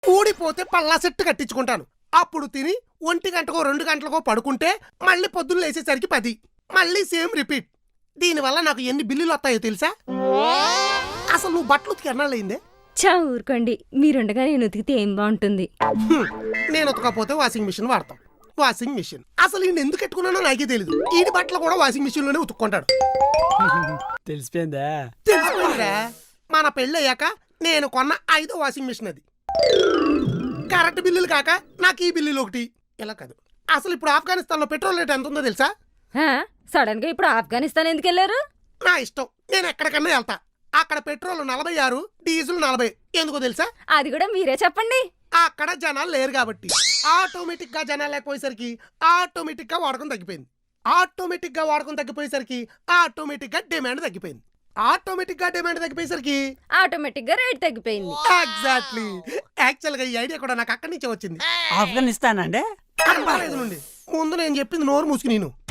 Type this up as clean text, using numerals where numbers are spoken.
ఊడిపోతే Palla set కట్టించుకుంటాను. అప్పుడు తిని 1 గంటకో 2 గంటలకో పడుకుంటే మళ్ళీ పొద్దున్న లేచేసరికి 10. మళ్ళీ సేమ్ రిపీట్. దీనివల్ల నాకు ఎన్ని బిల్లులు వస్తాయో తెలుసా? అసలు నువ్వు బట్టలు ఉతికి ఎన్నాళ్ళయిందే? చా ఊరుకోండి, మీరుండగా నేను ఉతికితే ఏం బాగుంటుంది. నేను ఉతకపోతే వాషింగ్ మిషన్ వాడతాం. వాషింగ్ మిషన్ అసలు ఈయన ఎందుకు పెట్టుకున్నానో నాకే తెలీదు. ఈడి బట్టలు కూడా వాషింగ్ మిషన్ లోనే ఉతుక్కుంటాడు. తెలిసిపోయిందా? తెలిసిపోయిందిరా. మన పెళ్ళయ్యాక నేను కొన్న 5వ వాషింగ్ మిషన్ అది. కరెంట్ బిల్లులు కాక నాకు ఈ బిల్లులు ఒకటి. ఇలా కాదు, అసలు ఇప్పుడు ఆఫ్ఘనిస్తాన్ లో పెట్రోల్ రేట్ ఎంత ఉందో తెలుసా? సడన్ గా ఇప్పుడు ఆఫ్ఘనిస్తాన్ ఎందుకు వెళ్ళారు? నా ఇష్టం, నేను ఎక్కడికన్నా వెళ్తా. అక్కడ పెట్రోల్ 46, డీజిల్ 40. ఎందుకో తెలుసా? అది కూడా మీరే చెప్పండి. అక్కడ జనాలు లేరు కాబట్టి. ఆటోమేటిక్ గా జనాలు లేకపోయేసరికి ఆటోమేటిక్ గా వాడకం తగ్గిపోయింది. ఆటోమేటిక్ గా వాడకం తగ్గిపోయేసరికి ఆటోమేటిక్ గా డిమాండ్ తగ్గిపోయింది. ఆటోమేటిక్ గా డిమాండ్ తగ్గిపోయేసరికి ఆటోమేటిక్ గా రేట్ తగ్గిపోయింది. ఎగ్జాక్ట్లీ. యాక్చువల్ గా ఈ ఐడియా కూడా నాకు అక్కడి నుంచే వచ్చింది. ఆఫ్ఘనిస్తాన్ అండి. నుండి ముందు నేను చెప్పింది నోరు మూసుకుని నేను